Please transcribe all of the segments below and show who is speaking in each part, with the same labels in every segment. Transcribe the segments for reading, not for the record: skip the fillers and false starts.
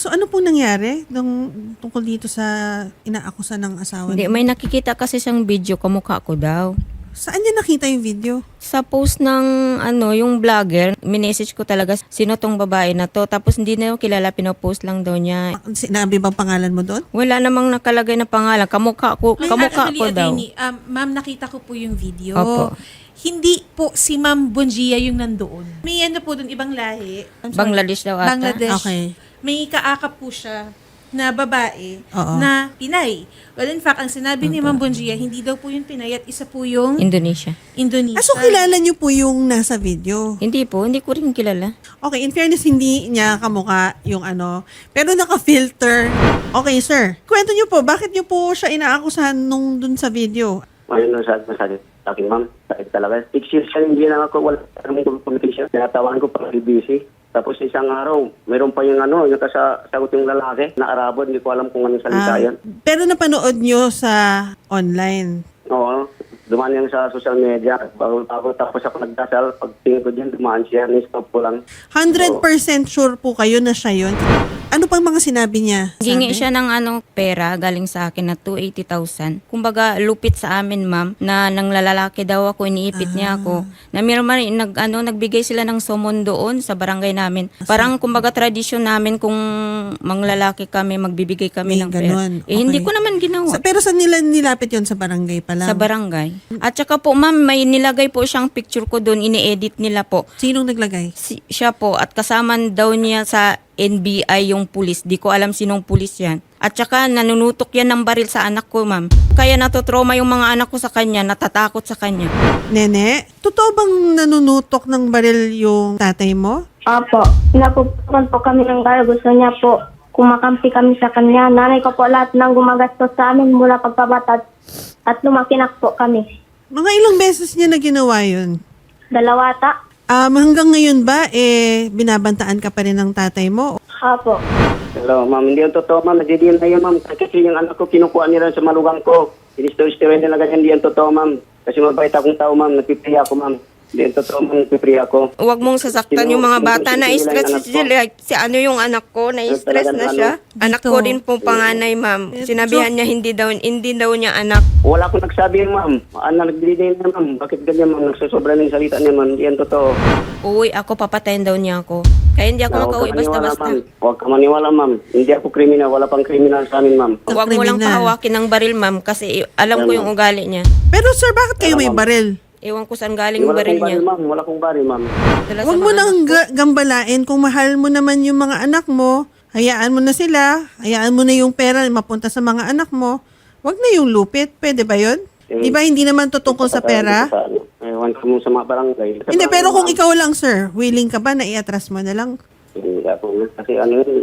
Speaker 1: So ano pong nangyari tungkol dito sa inaakusa ng asawa
Speaker 2: Hindi,
Speaker 1: niyo?
Speaker 2: may nakikita kasi siyang video, kamukha ko daw.
Speaker 1: Saan niya nakita yung video?
Speaker 2: Sa post ng yung vlogger, minessage ko talaga sino tong babae na to. Tapos hindi na yung kilala, pinopost lang daw niya.
Speaker 1: Sinabi bang pangalan mo doon?
Speaker 2: Wala namang nakalagay na pangalan. Kamukha ko daw.
Speaker 3: Ma'am, nakita ko po yung video.
Speaker 2: Opo.
Speaker 3: Hindi po si Ma'am Bonjia yung nandoon. May ano po doon, ibang lahi. I'm sorry.
Speaker 2: Bangladesh daw ata.
Speaker 3: Bangladesh.
Speaker 1: Okay.
Speaker 3: May kaakap po siya na babae
Speaker 1: Oo.
Speaker 3: na Pinay. Well, in fact, ang sinabi ni Ma'am Bonjia, hindi daw po yung Pinay at isa po yung
Speaker 2: Indonesia.
Speaker 3: Indonesia.
Speaker 1: So kilala niyo po yung nasa video?
Speaker 2: Hindi po, hindi ko rin kilala.
Speaker 1: Okay, in fairness, hindi niya kamukha yung pero naka-filter. Okay, sir. Kwento niyo po, bakit niyo po siya inaakusahan nung dun sa video?
Speaker 4: Ngayon sa akin, ma'am, sakit talaga. 6 years siya, hindi lang ako, wala kami communication. Tinatawan ko pag busy. Tapos isang araw, mayroon pa yung yung kasagot yung lalaki na Arabo, hindi ko alam kung anong salita yan.
Speaker 1: Pero napanood niyo sa online?
Speaker 4: Oo, dumaan yan sa social media. Bago tapos ako nagdasal, pag tingin ko dyan, dumaan siya, ni-stop ko lang.
Speaker 1: 100% sure po kayo na siya yun? Ano pang mga sinabi niya?
Speaker 2: Gingi siya ng pera galing sa akin na 280,000. Kumbaga lupit sa amin, ma'am, na nang lalaki daw ako, iniipit niya ako. Na meron man nagbigay sila ng somon doon sa barangay namin. Parang kumbaga tradisyon namin kung manglalaki kami, magbibigay kami
Speaker 1: May
Speaker 2: ng pera.
Speaker 1: ganun.
Speaker 2: Hindi
Speaker 1: Okay.
Speaker 2: ko naman ginawa.
Speaker 1: Pero saan nila nilapit yun? Sa barangay pa lang?
Speaker 2: Sa barangay. At saka po, ma'am, may nilagay po siyang picture ko doon, ini-edit nila po.
Speaker 1: Sinong naglagay?
Speaker 2: Siya po, at kasama daw niya sa NBI yung pulis. Di ko alam sinong pulis yan. At saka nanunutok yan ng baril sa anak ko, ma'am. Kaya natotrauma yung mga anak ko sa kanya, natatakot sa kanya.
Speaker 1: Nene, totoo bang nanunutok ng baril yung tatay mo?
Speaker 5: Opo, napupukan po kami ng gaya. Gusto niya po kumakampi kami sa kanya. Nanay ko po lahat ng gumagastos sa amin mula pagkabata at lumakinak po kami.
Speaker 1: Mga ilang beses niya na ginawa yun?
Speaker 5: 2 ta.
Speaker 1: Hanggang ngayon ba, binabantaan ka pa rin ng tatay mo?
Speaker 5: Opo.
Speaker 4: Hello, ma'am, hindi yung totoo, ma'am. Nagdidiyan na yun, ma'am. Kasi yung anak ko, kinukuha nila sa malugang ko. Sinistori-story nila ganyan, hindi yung totoo, ma'am. Kasi mabait akong tao, ma'am. Nagpipray ako, ma'am. Hindi yung totoo, ma'am. Nagpipray ako.
Speaker 2: Huwag mong sasaktan yung mga bata. Na-stress si yung anak ko, na-stress na siya. Anak ko din po panganay, ma'am. Sinabihan niya hindi daw niya anak.
Speaker 4: Wala akong nagsabi, ma'am. Nagdidiyan na, ma'am. Bakit ganyan, ma'am? Nagsusobra ng salita niya, ma'am. Hindi yan totoo.
Speaker 2: Uwi ako, papatayin daw niya ako. Kaya hindi ako makauwi basta-basta.
Speaker 4: Huwag ka maniwala, ma'am. Hindi ako kriminal. Wala pang kriminal sa amin, ma'am.
Speaker 2: Huwag mo lang
Speaker 1: Kriminal.
Speaker 2: pahawakin ng baril, ma'am, kasi alam ko yung ugali niya.
Speaker 1: Pero sir, bakit kayo may baril?
Speaker 2: Ewan ko saan galing yung
Speaker 4: Wala
Speaker 2: baril
Speaker 4: kong
Speaker 2: niya.
Speaker 4: baril, ma'am. Wala kong baril, ma'am.
Speaker 2: Dala sa
Speaker 1: Huwag mo
Speaker 2: mga
Speaker 1: nang gambalain. Kung mahal mo naman yung mga anak mo, hayaan mo na sila. Hayaan mo na yung pera mapunta sa mga anak mo. Huwag na yung lupit. Pwede ba yun? Di ba hindi naman tutungkol sa pera?
Speaker 4: Ewan ko mo sa mga barangay.
Speaker 1: Hindi, pero kung ikaw lang, sir, willing ka ba na i-atras mo na lang?
Speaker 4: Hindi ako. Kasi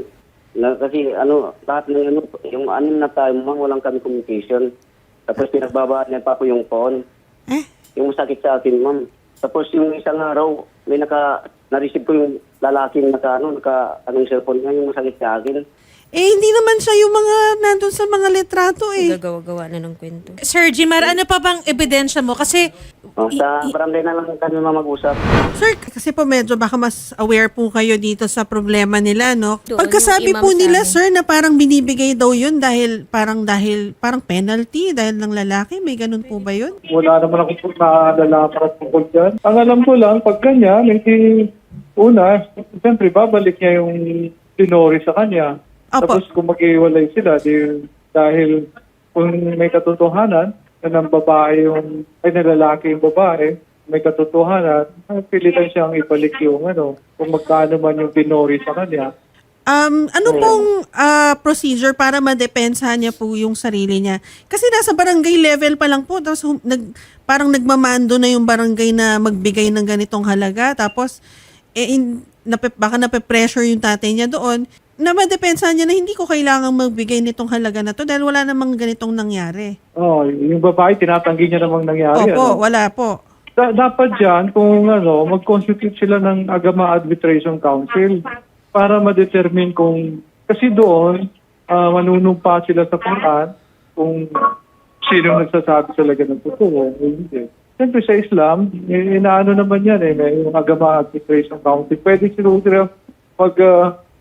Speaker 4: lahat ng yung anim na tayo, ma'am, walang kami communication. Tapos pinagbabaan niya pa ako yung phone. Yung masakit sa akin, ma'am. Tapos yung isang araw, na-receive ko yung lalaking anong cellphone niya, yung masakit sa akin.
Speaker 1: Hindi naman siya yung mga nandun sa mga litrato
Speaker 2: gagawa-gawa na ng kwento.
Speaker 3: Sir Jimar, ano pa bang ebidensya mo? Kasi
Speaker 4: Sa barangay na lang kami mag-usap.
Speaker 1: Sir, kasi po medyo baka mas aware po kayo dito sa problema nila, no?
Speaker 2: Doon,
Speaker 1: Pagkasabi
Speaker 2: yung imam
Speaker 1: po
Speaker 2: sa
Speaker 1: nila,
Speaker 2: amin.
Speaker 1: sir, na parang binibigay daw yun dahil parang penalty dahil ng lalaki. May ganun po ba yun?
Speaker 6: Wala naman ako nakadala para tungkol dyan. Ang alam ko lang, pag ganyan, hindi, siyempre, babalik niya yung tinori sa kanya.
Speaker 1: Opo.
Speaker 6: Tapos kung mag-iwalay sila, dahil kung may katotohanan, na ng babae na lalaki yung babae, may katotohanan, pilitan siyang ibalik yung kung magkano man yung tinori sa kanya.
Speaker 1: Ano pong procedure para madepensahan niya po yung sarili niya? Kasi nasa barangay level pa lang po, tapos parang nagmamando na yung barangay na magbigay ng ganitong halaga, tapos baka nape-pressure yung tatay niya doon, na madepensahan niya na hindi ko kailangang magbigay nitong halaga na to dahil wala namang ganitong nangyari.
Speaker 6: Yung babae, tinatanggi niya namang nangyari.
Speaker 1: Opo, wala po.
Speaker 6: Dapat dyan, kung mag-constitute sila ng Agama Arbitration Council para ma-determine kasi doon, manunumpa sila sa Quran kung sino nagsasabi talaga ng totoo. Hindi. Siyempre sa Islam, inaano naman yan may yung Agama Arbitration Council. Pwede sila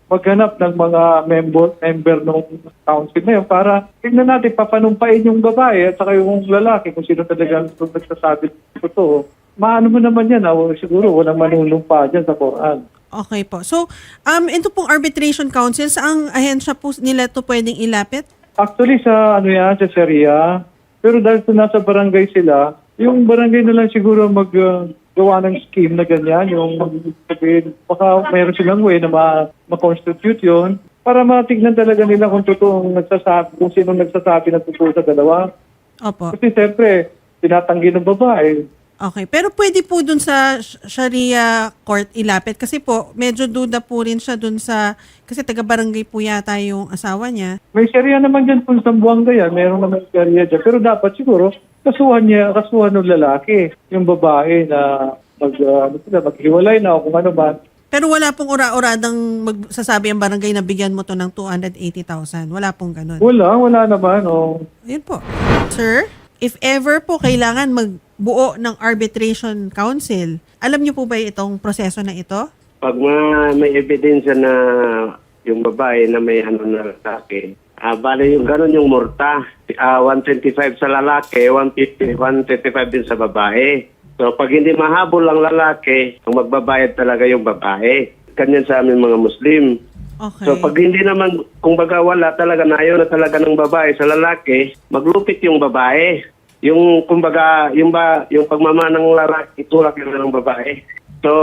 Speaker 6: maghanap ng mga member ng council na yun para tignan natin papanumpain yung babae at saka yung lalaki kung sino talaga ang nagsasabi ng totoo. Maano mo naman yan, siguro walang manunumpa dyan sa Quran.
Speaker 1: Okay po. So, ito pong arbitration council, saang ahensya po nila to pwedeng ilapit?
Speaker 6: Actually sa sa Sharia, pero dahil sa nasa barangay sila, yung barangay na lang siguro gawa ng scheme na ganyan, yung sabihin, baka mayroon silang way na ma-constitute yun para matignan talaga nila kung totoong nagsasabi, kung sino nagsasabi ng totoo sa dalawa.
Speaker 1: Opo.
Speaker 6: Kasi siyempre, tinatanggi ng babae.
Speaker 1: Okay. Pero pwede po dun sa Sharia court ilapit kasi po medyo duda po rin siya dun sa, kasi taga-barangay po yata yung asawa niya.
Speaker 6: May Sharia naman dyan kung sa Buanga yan, mayroon naman Sharia dyan. Pero dapat siguro, kasuhan ng lalaki, yung babae na maghiwalay na o kung ano ba.
Speaker 1: Pero wala pong ura-uradang magsasabi ang barangay na bigyan mo to ng 280,000. Wala pong ganun.
Speaker 6: Wala naman. Oh.
Speaker 1: Ayun po. Sir, if ever po kailangan magbuo ng arbitration council, alam niyo po ba itong proseso na ito?
Speaker 7: Pag may ebidensya na yung babae na may na lalaki, bali yung ganun yung murta. 125 sa lalaki, 155 din sa babae. So pag hindi mahabol ang lalaki, ang magbabayad talaga yung babae. Ganyan sa amin mga Muslim.
Speaker 1: Okay.
Speaker 7: So pag hindi naman, kung baga wala talaga, na ayaw na talaga ng babae sa lalaki, maglupit yung babae. Yung kumbaga, yung pagmamana ng lalaki, itulak yun ng babae. So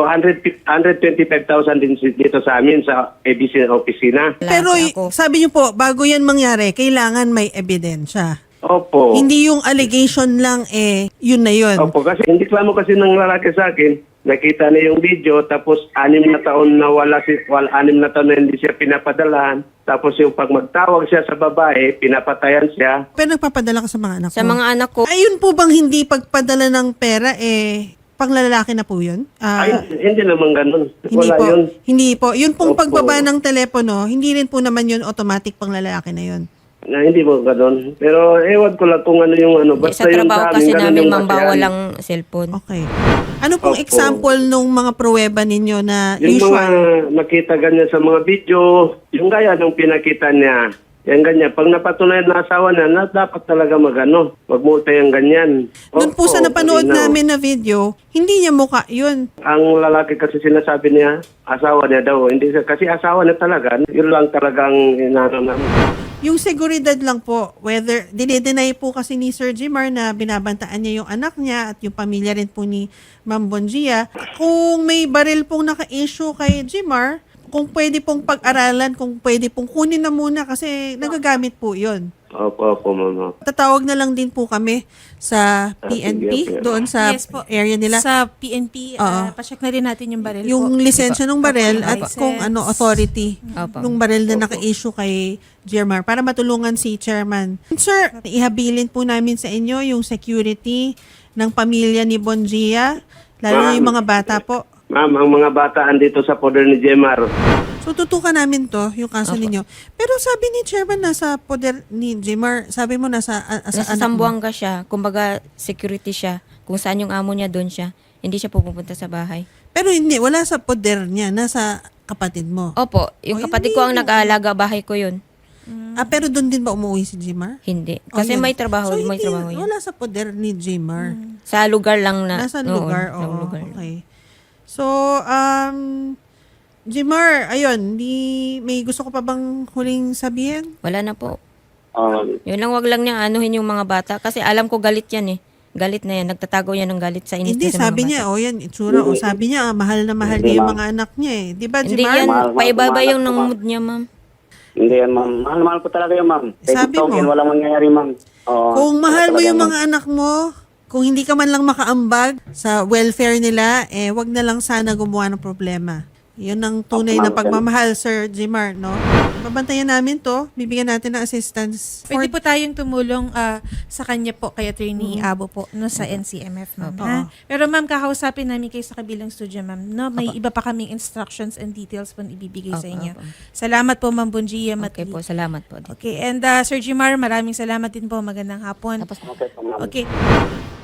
Speaker 7: 125,000 din dito sa amin sa ABC na opisina.
Speaker 1: Pero
Speaker 2: Ako.
Speaker 1: sabi niyo po, bago yan mangyari, kailangan may ebidensya.
Speaker 7: Opo.
Speaker 1: Hindi yung allegation lang yun na yun.
Speaker 7: Opo, kasi hindi klamo kasi ng lalaki sa akin. Nakita niya yung video, tapos 6 na taon na 6 na taon na hindi siya pinapadalahan. Tapos yung pag magtawag siya sa babae, pinapatayan siya.
Speaker 1: Pero nagpapadala ka sa mga anak mo.
Speaker 2: Sa mga anak ko,
Speaker 1: Ayun po bang hindi pagpadala ng pera, panglalaki na po yun?
Speaker 7: Ay, hindi naman ganun.
Speaker 1: Hindi
Speaker 7: Wala
Speaker 1: po.
Speaker 7: yun.
Speaker 1: Hindi po. Yun pong
Speaker 7: Opo.
Speaker 1: pagbaba ng telepono, hindi rin po naman yun automatic panglalaki na yun.
Speaker 7: Na hindi mo ganun. Pero ewan ko lang kung ano yung ano.
Speaker 2: sa
Speaker 7: Basta yung
Speaker 2: trabaho
Speaker 7: sa
Speaker 2: kasi
Speaker 7: ganun
Speaker 2: namin
Speaker 7: yung
Speaker 2: ma'am, bawal
Speaker 7: kasiyahan.
Speaker 2: ang cellphone.
Speaker 1: Okay. Ano pong
Speaker 7: Opo.
Speaker 1: example nung mga pruweba ninyo na
Speaker 7: Yung mga
Speaker 1: usual?
Speaker 7: nakita ganyan sa mga video, yung gaya nung pinakita niya, yan ganyan. Pag napatunayan na asawa na dapat talaga magmulta yung ganyan.
Speaker 1: Doon po sa
Speaker 7: Opo,
Speaker 1: napanood
Speaker 7: malinaw.
Speaker 1: namin na video, hindi niya mukha yun.
Speaker 7: Ang lalaki kasi sinasabi niya, asawa niya daw. Hindi siya, kasi asawa niya talaga. Yun lang talagang inano namin.
Speaker 1: Yung seguridad lang po, whether, dinideny po kasi ni Sir Jimar na binabantaan niya yung anak niya at yung pamilya rin po ni Ma'am Bonjia. Kung may baril pong naka-issue kay Jimar, kung pwede pong pag-aralan, kung pwede pong kunin na muna kasi nagagamit po yun.
Speaker 7: Opo, mama.
Speaker 1: Tatawag na lang din po kami sa PNP
Speaker 7: sige.
Speaker 1: doon sa
Speaker 3: Yes po.
Speaker 1: area nila.
Speaker 3: Sa PNP,
Speaker 1: Oo.
Speaker 3: pacheck na rin natin yung baril
Speaker 1: Yung
Speaker 3: po.
Speaker 1: lisensya ng barel at
Speaker 3: License.
Speaker 1: kung ano authority
Speaker 2: Opo.
Speaker 1: ng barel na naka-issue kay Jermar para matulungan si chairman. Sir, ihabilin po namin sa inyo yung security ng pamilya ni Bonjia, lalo na yung mga bata po.
Speaker 7: Ma'am, ang mga bata andito sa poder ni Jemar.
Speaker 1: So tutukan namin to, yung kaso ninyo. Pero sabi ni chairman nasa poder ni Jemar, sabi mo nasa
Speaker 2: Nasa
Speaker 1: anak mo.
Speaker 2: Sambuanga siya, kumbaga security siya. Kung saan yung amo niya, doon siya. Hindi siya pupunta sa bahay.
Speaker 1: Pero hindi, wala sa poder niya, nasa kapatid mo.
Speaker 2: Opo, yung
Speaker 1: Oh,
Speaker 2: kapatid
Speaker 1: hindi
Speaker 2: ko ang
Speaker 1: mo.
Speaker 2: nag-aalaga, bahay ko yun.
Speaker 1: Pero doon din ba umuwi si Jemar?
Speaker 2: Hindi.
Speaker 1: Oh,
Speaker 2: Kasi
Speaker 1: yun.
Speaker 2: may trabaho,
Speaker 1: So,
Speaker 2: may
Speaker 1: hindi,
Speaker 2: trabaho yun.
Speaker 1: wala sa poder ni Jemar.
Speaker 2: Sa lugar lang na.
Speaker 1: Nasa
Speaker 2: oo,
Speaker 1: lugar,
Speaker 2: sa
Speaker 1: oo.
Speaker 2: lugar.
Speaker 1: Okay. So, Jemar, ayun, may gusto ko pa bang huling sabihin?
Speaker 2: Wala na po.
Speaker 7: Um,
Speaker 2: Yun lang, wag lang niya anuhin yung mga bata. Kasi alam ko galit yan eh. Galit na yan. Nagtatago yan ng galit sa inis
Speaker 1: Hindi,
Speaker 2: niya sa
Speaker 1: sabi
Speaker 2: mga
Speaker 1: niya,
Speaker 2: bata.
Speaker 1: yan, itsura. O, sabi niya, mahal na mahal niya yung mga anak niya eh. Di ba,
Speaker 2: Hindi
Speaker 1: Jemar?
Speaker 2: yan,
Speaker 7: Mahal,
Speaker 2: paibaba
Speaker 7: mahal,
Speaker 2: yung ng
Speaker 7: mahal.
Speaker 2: mood niya, ma'am.
Speaker 7: hindi yan, ma'am. Mahal ko talaga yun, ma'am.
Speaker 1: Sabi mo.
Speaker 7: Walang mangyayari, ma'am. Oo,
Speaker 1: Kung mahal mo
Speaker 7: talaga,
Speaker 1: yung
Speaker 7: ma'am.
Speaker 1: mga anak mo, kung hindi ka man lang makaambag sa welfare nila, wag na lang sana gumawa ng problema. Yun ang tunay na pagmamahal, Sir Jemar, no? Babantayan namin to. Bibigyan natin ng assistance.
Speaker 3: Pwede po tayong tumulong sa kanya po, kay Attorney Abo po, no, sa NCMF, ma'am. Ha? Pero ma'am, kakausapin namin kayo sa kabilang studio, ma'am. No? May iba pa kaming instructions and details po na ibibigay sa inyo. Salamat po, Ma'am Bonjia
Speaker 2: Okay
Speaker 3: Matli.
Speaker 2: po, salamat po.
Speaker 3: Okay, and Sir Jemar, maraming salamat din po. Magandang hapon.
Speaker 2: Tapos
Speaker 7: Okay, po, ma'am.
Speaker 3: Okay.